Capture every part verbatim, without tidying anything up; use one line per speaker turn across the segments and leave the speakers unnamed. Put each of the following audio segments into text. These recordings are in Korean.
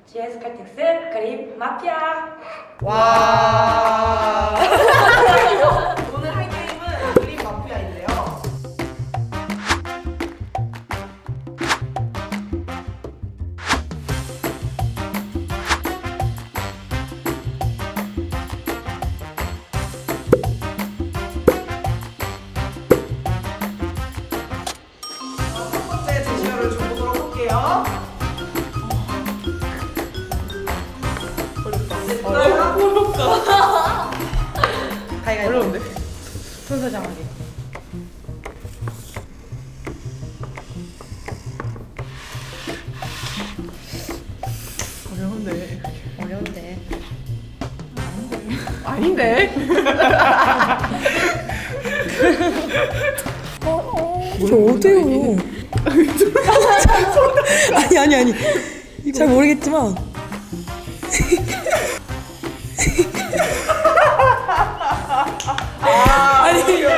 지에스 칼텍스 그림 마피아.
와. 오늘 할 게임은 그림 마피아인데요. 자, 첫 번째 제시어를 줘보도록 할게요.
어렵다.
가위가위보.
어려운데? 순서 정하기. 어려운데.
어려운데.
아닌데?
이거 어때요? 아니 아니 아니. 잘 모르겠지만.
아,
아니,
이렇게.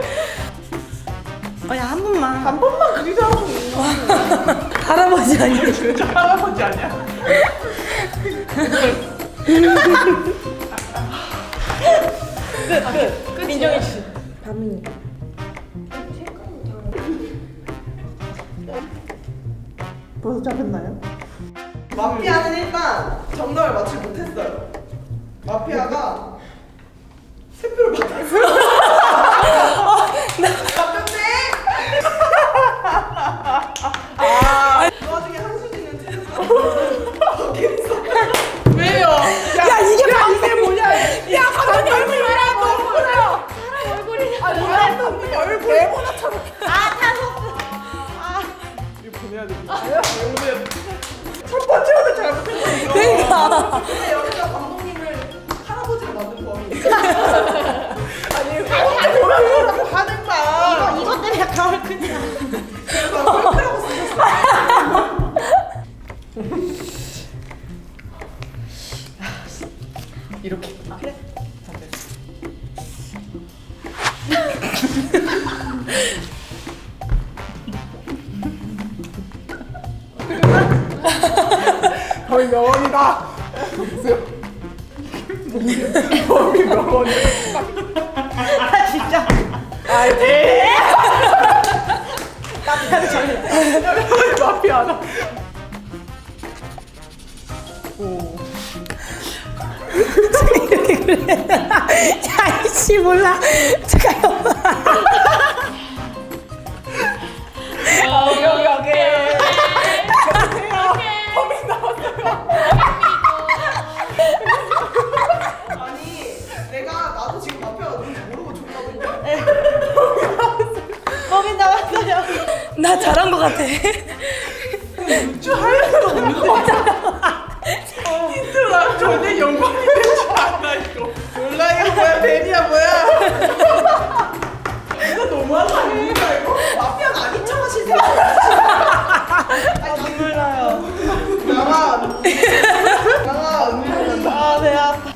아니 한 번만.
한 번만 그리자고.
할아버지 아니에요?
진짜 할아버지 아니야? 끝, 끝. 끝. 민정이 씨.
밤이.
벌써 잡혔나요? 마피아는 일단 정답을 맞추지 못했어요. 마피아가 세 표를 받았어요. 잡혔네? 아, 그 와중에 한수진은 틀렸어. 거기서. 왜요?
야 이게 밤.
이게 뭐냐? 야, 감독님 얼굴이 왜 너무 보세요?
사람 얼굴이.
아, 뭐야? 감독님 얼굴 네모나처럼.
아 타소.
이거 보내야 돼. 왜 보내야 돼? 첫 번째로는 잘못했어.
그러니까.
근데 여기서 감독님을 할아버지로 만든 범인. 아니, 할아버지라고 하는 거야.
이거 이것 때문에 약간 얼굴이야.
그래서 꼴찌라고 쓰셨어.
이렇게.
아, 그래? 거의 명언이다. 범이 명언이다.
아 진짜.
아, 네. 마피아는 잘해. 마피아다. 오.
이렇게 그래. 야 이씨 몰라. 잠깐만.
여기 여기 여기. 범인 나왔어요. 아니, 내가 나도 지금 마피아가 누군지 모르고 줬거든요.
거기 나왔어요. 나 잘한 것 같아.
저 하려고 없는데. 힌트라 전에 영광이 되지 않아 이거. 몰라 이거 뭐야 벤이야 뭐야. 이거 너무한 거 아닙니까 이거? 마피아가 아닌 척 하시세요. 아 눈물 나요. 양아. 양아 언니.
아 배 아파.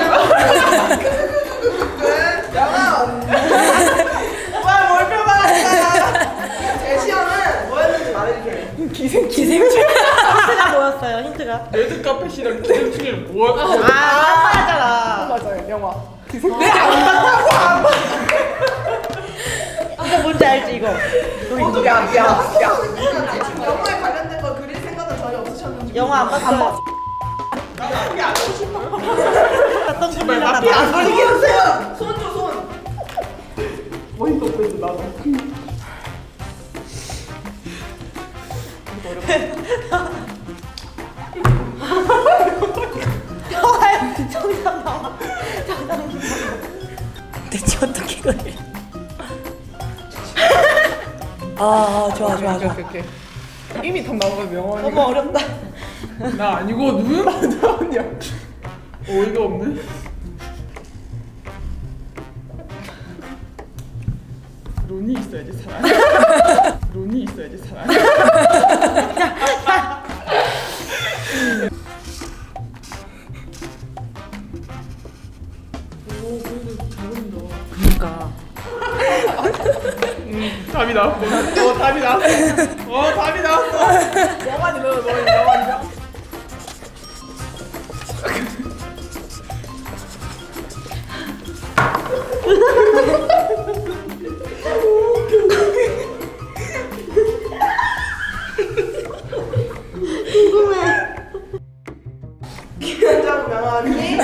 양아. 와 몰표 받았다. 제시어는 뭐였는지 말해주세요.
기생
기생충. 힌트가 뭐였어요? 힌트가?
레드 카펫이랑 기생충이 뭐야?
아 맞잖아.
맞아요 영화. 내안 봤다고 안 봤어.
이거 뭔지 알지 이거?
어떻게 야, 야, 야. 지금 영화에 관련된 거 그릴 생각은 전혀 없으셨는지.
영화 안 봤어요.
나 마피아 안 하고 싶어.
어떤
제발
분이나
마피아
봐.
안 걸리게 해주세요. 손 줘, 손. 어이가 없어서 나도.
영화에 정답 나와. 정답 나와. 대체 어떻게 그래? 아 좋아 좋아 좋아.
오케이, 오케이. 이미 답 나온 거 명언이.
너무 어렵다.
나 아니고 누구 나왔냐? 어이가 없네. 론이 있어야지 사람. 론이 있어야지 사람. 오 그래도 잘 그린다.
그러니까.
음, 답이 나왔고. 어, 답이 나왔어. 어, 답이 나왔어.
영환이 너, 너 영환이야?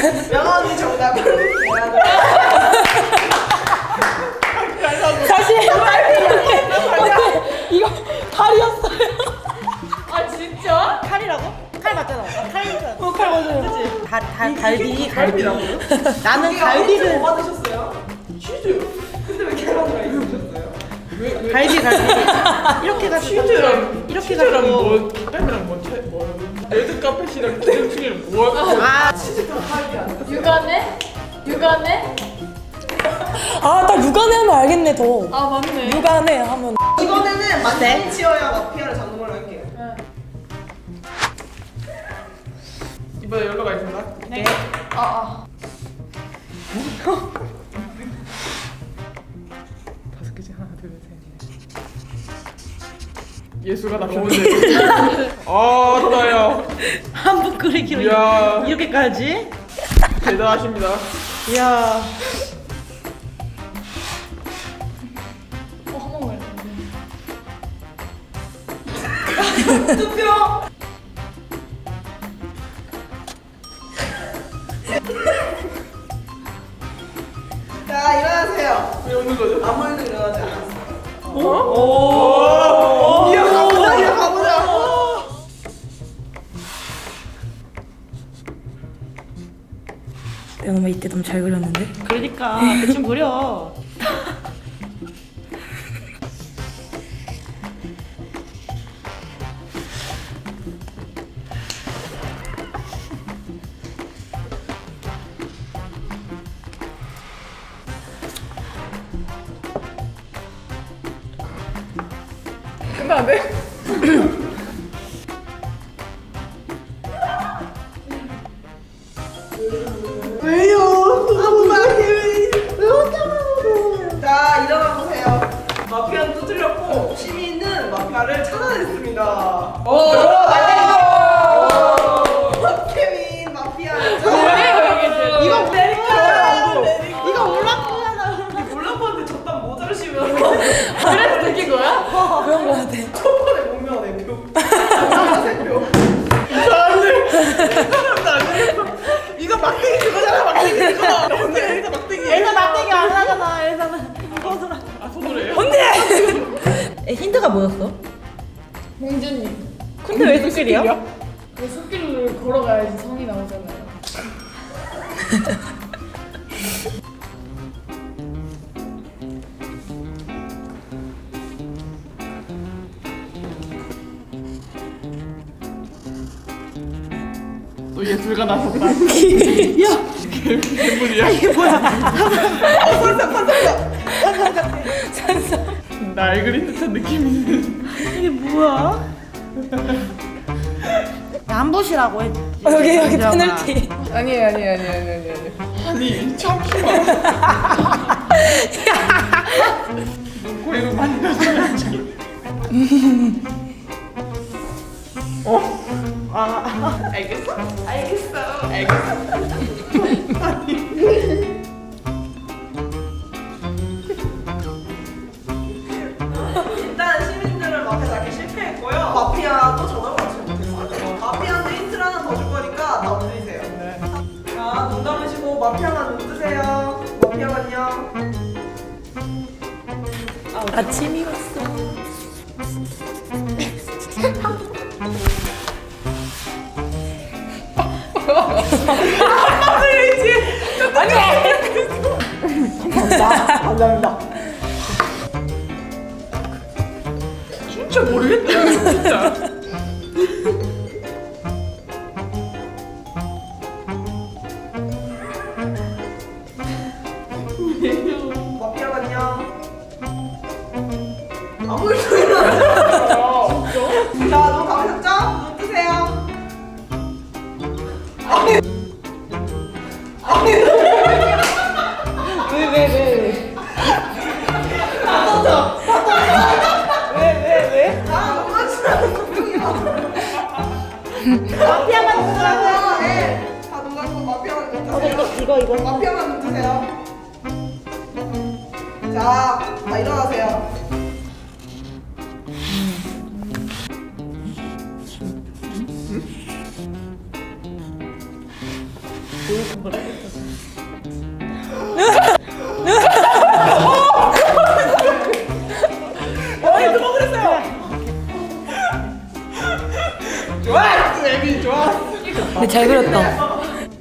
명아 언니 정답은 계란을.
사실 이거 칼이었어요.
아 진짜?
칼이라고? 칼 맞잖아. 칼이잖아. 어, 칼 맞아요. 그치? 다, 다, 갈비, 갈비. 나는 갈비를.
뭐 받으셨어요? 치즈. 근데 왜 계란을 있으셨어요?
갈비, 갈비. 이렇게 가지고.
치즈랑
이렇게
치즈랑
가지고.
뭐 계란이랑 뭐 채- 뭐 레드 카펫이랑 기름치기는 뭐?
아,
치즈가 칼이 안 나.
육안에? 육안에?
아, 딱 육안에 하면 알겠네, 더.
아 맞네.
육안에 하면.
이번에는 만점이 치어야 마피아를 잡는 걸로 할게요.
이번에 연락 있나?
네. 아 아.
다섯 개지 하나 둘셋 예수가 나 보는데. 아 나야.
한복 그리기로
이야.
이렇게까지?
대단하십니다.
이야.
어 한 번만.
투표. 자 일어나세요.
왜 웃는 거죠?
아무 일도 일어나지 않았어요.
오.
이어 가보자. 이어 가보자.
내가 너무 이때 너무 잘 그렸는데? 그러니까 대충 그려.
끝나네.
왜요? 아무 말이 왜? 왜 혼자 말하고? 자 일어나 보세요. 마피아는 또 틀렸고 시민은 마피아를 찾아냈습니다. 오, 케빈 마피아를 찾아냈어요. 이거 내릴까요? 이거 올라프잖아. 올라프한테 저딴 모자를 씌우면서
그래서 느낀 거야?
그런 거 같아.
첫 번에 목면 내 표. 세 표.
사람들 사람들 안 되겠어. 이거 막대기 그거잖아 막대기 그거. 언니 여기서 막대기.
엘사 막대기 안 하잖아. 엘사는 이거더라.
아 손으로 해요?
에, 힌트가 뭐였어?
공주님.
근데 왜 숲길이야?
그 숲길을 걸어가야지 성이 나오잖아요.
또 예술가 나섰다.
야,
괴물이야.
이게 뭐야?
날 그린 듯한 느낌이.
이게 뭐야? 안보시라고 했지.
어,
여기 여기
아,
페널티.
아니에요 아니에요 아니에요 아니에요 아니에요.
아니 참기만. 눈코입을 많이 가져야지. 어? 아 알겠어? 알겠어. 알겠어.
일단 시민들은 마피아 잡기 실패했고요. 마피아도 정답을 맞추지 못했어요. 마피아한테 힌트를 하나 더 줄 거니까 다 엎드리세요.
네.
자, 눈 감으시고 마피아만 눈 뜨세요. 마피아만요.
아침이 왔어.
감사합니다.
진짜 모르겠다 이거 진짜.
마피아만요. 아무 일도 일어나지 않았어요. 자, 눈 감으셨죠? 눈 뜨세요. 아니, 아니,
왜 왜 왜 왜?
다 떠져. 다 떠져. 왜, 왜, 왜? 아, 눈 맞추라는 분명이야. 마피아만 눈 뜨라고요. 네. 다 눈 감고 마피아만 눈 뜨세요.
이거 이거.
마피아만 눈 뜨세요. 자, 다 일어나세요.
어이 누가 그랬어요? 좋아, 애미 좋아.
근데 잘 그렸다.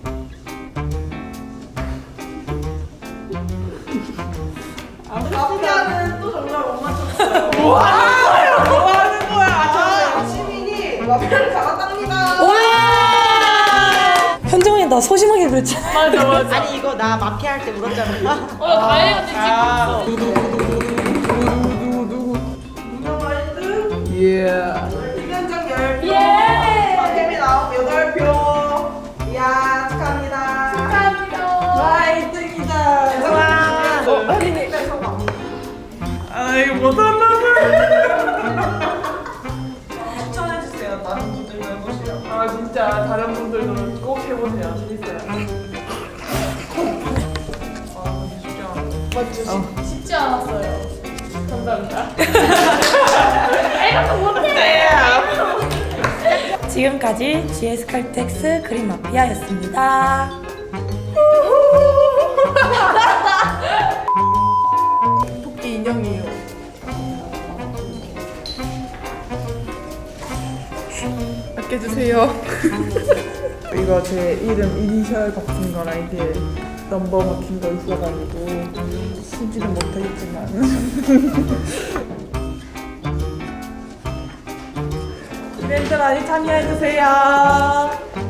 마피아는 또 정말 못 맞췄어요.
뭐 하는 거야? 뭐 하는 거야?
아, 시민이 마피아를 잡았답니다.
현정이 나 소심하게 그랬잖아.
맞아 맞아.
아니 이거 나 마피아 할 때 울었잖아.
어, 나 다혜 언니
아,
찍고
누구 누구 누구 누구 누구
문어와이드
예.
이면정 열 표.
예.
박혜미 나온 여덟 표. 이야 축하합니다.
축하합니다.
와 일 등이다.
와.
어, 혜미 성공.
아 이거 못한다고.
추천해주세요. 다른 분들도 해보시라고.
아 진짜 다른 분들도 꼭 해보세요. 재밌어요. 아 근데 쉽지 않아.
맞죠? 쉽- 쉽지 않았어요. 감사합니다. 애가 못해.
지금까지 지에스 칼텍스 그림 마피아였습니다.
토끼 인형이에요. 아껴주세요. 이거 제 이름 이니셜 박힌 거랑 이게 넘버 박힌 거 있어가지고 쓰지는 못하겠지만 이벤트 많이 참여해주세요.